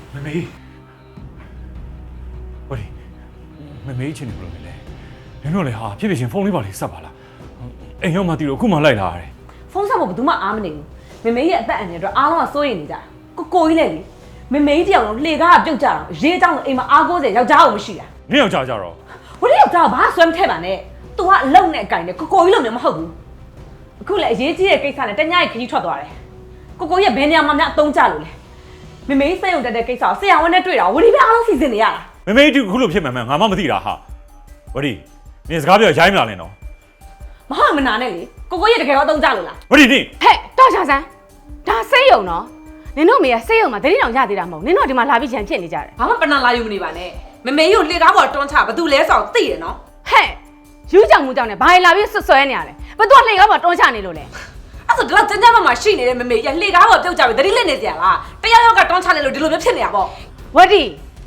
မေဝရီမေချင်းနေဘလို့လဲနင်တို့လေဟာဖြစ်ဖြစ်ချင်းဖုန်းလေးပါလေးဆက်ပါလားအိမ်ရောက်မှတီးတော့အခုမှလိုက်လာရတယ်ဖုန်းဆက်ဖို့ဘယ်သူမှအားမနေဘူးမေရဲ့အသက်အန္တရာယ်အတွက်အားလုံးကစိုးရိမ်နေကြတာကိုကြီးလည်းလေမေတယောက်လုံးလှေကားကပြုတ်ကြတော့ရေးเจ้าအိမ်မှာအားကိုးစရာယောက်ျားအောင်မရှိတာနင်ယောက်ျားကြတော့ဝရီယောက်ျားဘာဆွဲမထည့်ပါနဲ့ तू ကအလုံနဲ့အကင်နဲ့ကိုကြီးလုံးလည်းမဟုတ်ဘူးအခုလည်းအရေးကြီးတဲ့ကိစ္စနဲ့တညရဲ့ခကြီးထွက်သွားတယ်ကိုရဲ့ဘယ်နေရာမှာများအသုံးကျလို့လဲမေစိတ်ုံတက်တဲ့ကိစ္စကိုဆရာဝန်နဲ့တွေ့တာဝရီပဲအားလုံးစီစဉ်နေရတာမေဒီခုလို့ဖြစ်မှန်မှန်ငါမှမသိတာဟာဝရီနင်စကားပြောရိုင်းမလာနဲ့နော်မဟုတ်မနာနဲ့လေကိုရဲ့တကယ်တော့အသုံးကျလို့လားဝရီနင်ဟဲ့တော့ချာဆန်းဒါစိတ်ယုံနော်နင်တို့မေကစိတ်ယုံမှာတတိတောင်ရသေးတာမဟုတ်နင်တို့ဒီမှာလာပြီးချန်ဖြစ်နေကြတယ်ဘာမှပဏာလာယူမနေပါနဲ့မေကိုလှေကားပေါ်တွန်းချဘာသူလဲဆောင်သိရနော်ဟဲ့ယူကြောင်မှုကြောင့်နဲ့ဘာလာပြီးဆွဆွဲနေရလဲဘသူကလှေကားပေါ်တွန်းချနေလို့လဲအဲ့ဆိုဒီလောက်ကျန်းကျန်းမာမာရှိနေတဲ့မေရလှေကားပေါ်ပြုတ်ကြပြီတတိလက်နေကြလားတယောက်ယောက်ကတွန်းချနေလို့ဒီလိုမျိုးဖြစ်နေတာပေါ့ဝတ်တီ